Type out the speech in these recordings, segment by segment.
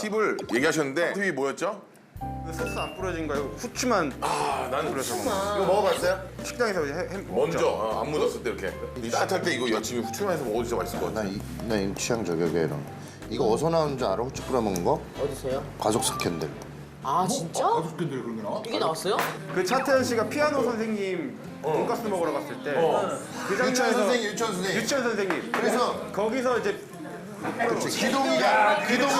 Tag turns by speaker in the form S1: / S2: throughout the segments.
S1: 팁을 얘기하셨는데 팁이 뭐였죠?
S2: 소스 안 뿌려진 거 이거 후추만
S1: 난
S2: 뿌려서 먹는 거.
S1: 이거 먹어봤어요?
S2: 식당에서 이제
S1: 먼저 안 묻었을 때 이렇게 따뜻할 때 이거 여친이 후추만 해서 먹어도 진짜 맛있을 것 같아.
S3: 나 취향 저격이야 이런. 이거 어디서 나온 줄 알아? 후추 뿌려 먹는 거?
S4: 어디서요?
S3: 가족 스캔들.
S4: 아 진짜?
S5: 가족들이 그런 게 나와?
S4: 이게 나왔어요?
S2: 그 차태현 씨가 피아노 선생님 돈가스 먹으러 갔을 때 그
S3: 유치원
S2: 장면에서
S3: 선생님, 유치원 선생님.
S2: 유치원 선생님.
S3: 그래서
S2: 거기서 이제
S3: 기동이가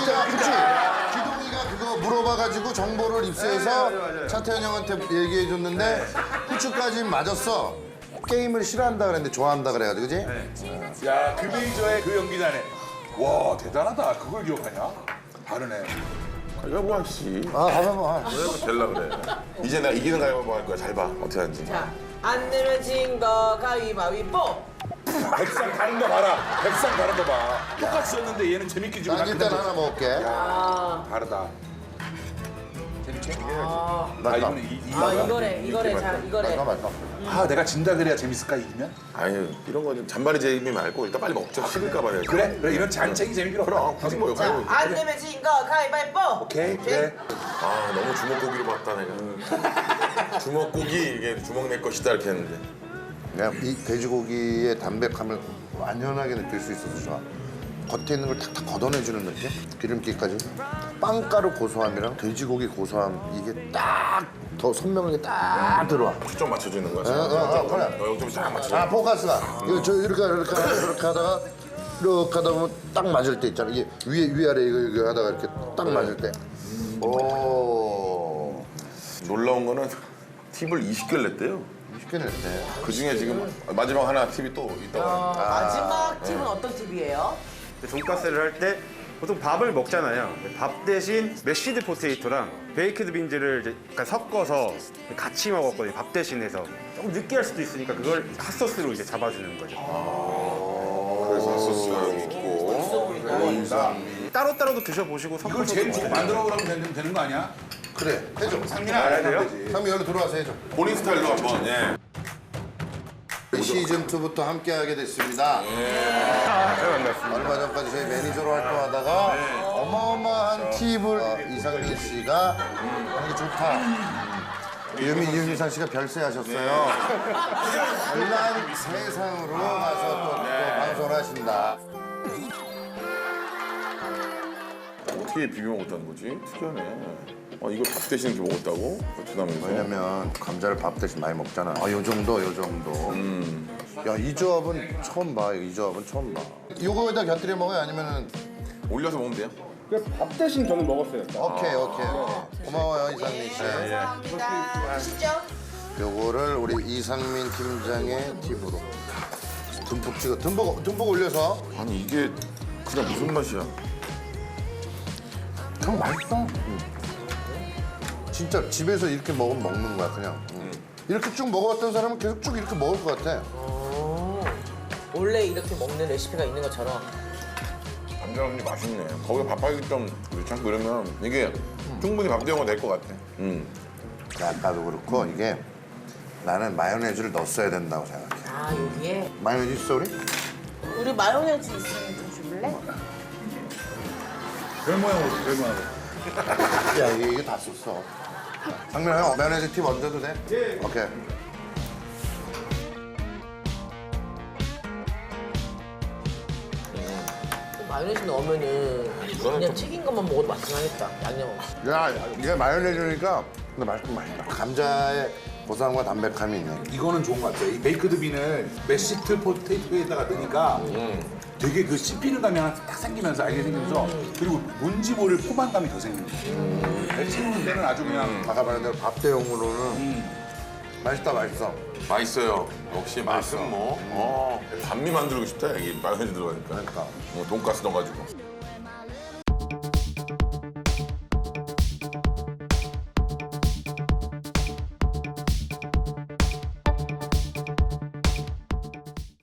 S3: 그거 물어봐가지고 정보를 입수해서
S2: 네, 맞아요.
S3: 차태현 형한테 얘기해줬는데 후추까지 맞았어. 게임을 싫어한다 그랬는데 좋아한다 그래가지고 그지?
S5: 야, 그 메이저의 그 연기자네. 와, 대단하다. 그걸 기억하냐? 다르네.
S1: 가위바위보 씨.
S3: 아 가만
S1: 왜 될라 그래. 이제 내가 이기는 가위바위보 할 거야. 잘 봐. 어떻게 하는지.
S4: 자, 안 내면 진 거 가위바위보.
S5: 백상 다른 거 봐라. 백상 다른 거 봐. 똑같이 썼는데 얘는 재밌게 주고
S3: 난 일단 하나 먹을게.
S5: 다르다. 재밌지?
S3: 맛있다.
S5: 이거는
S4: 이거래. 자, 이거래.
S3: 맛있다.
S5: 아, 내가 진다 그래야 재밌을까, 이기면?
S1: 아유 이런 거 좀 잔바리 재미 말고 일단 빨리 먹자. 식을까 봐.
S5: 그래? 이런 잔챙이 재미 필요 없어.
S1: 그럼 굳이 뭐
S4: 자,
S1: 가위바위보.
S4: 안 내면 진 거 가위바위보.
S5: 오케이, 그래.
S1: 아 너무 주먹고기로 봤다 내가. 주먹고기 이게 주먹 내 것이다 이렇게 했는데.
S3: 내가 이 돼지고기의 담백함을 완연하게 느낄 수 있어서 좋아. 겉에 있는 걸 탁탁 걷어내주는 느낌? 기름기까지. 빵가루 고소함이랑 돼지고기 고소함 이게 딱 더 선명하게 딱 들어와.
S1: 초점 맞춰주는 거야.
S3: 그래.
S1: 0점이 딱 맞춰.
S3: 아 포커스가 이거 저 이렇게 하다가 이렇게 하다 보면 딱 맞을 때 있잖아. 이게 위아래 이거 하다가 이렇게 딱 맞을 때. 오.
S1: 놀라운 거는 팁을 20개를 냈대요.
S3: 쉽게 냈네.
S1: 그 중에 지금 마지막 하나 팁이 또 있다고.
S4: 마지막 팁은 어떤 팁이에요?
S2: 돈가스를 할 때 보통 밥을 먹잖아요. 밥 대신 메시드 포테이토랑 베이크드 빈즈를 이제 약간 섞어서 같이 먹었거든요. 밥 대신해서 조금 느끼할 수도 있으니까 그걸 핫소스로 이제 잡아주는 거죠.
S1: 그래서 소스가 여기 있고.
S2: 따로따로도 드셔보시고
S5: 이걸
S2: 섞어서
S5: 제일 좋고 만들어 보라면 되는 거 아니야?
S3: 그래 해줘.
S5: 상민아, 안 해야 되지.
S3: 상미 여기 들어와서 해줘.
S1: 본인 스타일로 한번. 예.
S3: 시즌 2부터 함께하게 됐습니다.
S2: 반갑습니다.
S3: 얼마 전까지 저희 매니저로 활동하다가 어마어마한 팁을 이상민 씨가 하는 게 좋다. 유미상 씨가 별세하셨어요. 별난 세상으로 가서 또 방송을 하신다.
S1: 어떻게 비벼 먹었다는 거지? 특이하네. 이걸 밥 대신 이렇게 먹었다고? 베트남에서.
S3: 왜냐면 감자를 밥 대신 많이 먹잖아. 요 정도. 야, 이 조합은 처음 봐. 이 조합은 처음 봐. 요거에다 곁들여 먹어요? 아니면은
S1: 올려서 먹으면 돼요?
S2: 밥 대신 저는 먹었어요.
S3: 오케이. 고마워요, 이상민 씨.
S4: 감사합니다. 시죠?
S3: 요거를 우리 이상민 팀장의 팁으로 듬뿍 찍어. 듬뿍 올려서.
S1: 아니 이게 그냥 무슨 맛이야?
S3: 형 맛있어. 진짜 집에서 이렇게 먹으면 먹는 거야, 그냥. 이렇게 쭉 먹어봤던 사람은 계속 쭉 이렇게 먹을 것 같아.
S4: 원래 이렇게 먹는 레시피가 있는 것처럼.
S1: 감자밥이 맛있네. 거기에 밥하기 좀 괜찮고 이러면 이게 충분히 밥 대용가 될 것 같아.
S3: 아까도 그렇고 이게 나는 마요네즈를 넣었어야 된다고 생각해.
S4: 아, 여기에?
S3: 마요네즈 있어, 우리?
S4: 우리 마요네즈 있으면 좀 줄래?
S5: 별 모양으로, 별 모양으로.
S3: 야, 이게 다 썼어. 상민아, 형 마요네즈 팁 얹어도 돼? 예. 오케이.
S4: 마요네즈 넣으면은 그냥 튀긴 것만 먹어도 맛있긴 하겠다. 양념 없이.
S3: 야, 이게 마요네즈니까 근데 맛있긴 맛있다. 감자의 고소함과 담백함이 있네.
S5: 이거는 좋은 것 같아. 이 베이크드 빈을 메시트 포테이토에다가 넣으니까 되게 그 씹히는 감이 하나 딱 생기면서 알게 생기면서 그리고 뭔지 모를 포만감이 더 생기는 거야. 배치는 데는 아주 그냥
S3: 아까 말한 대로 밥 대용으로는 맛있다.
S1: 맛있어요. 역시 맛은 뭐. 반미 만들고 싶다. 이게 마요네즈 들어가니까.
S3: 그러니까.
S1: 돈가스 넣어가지고.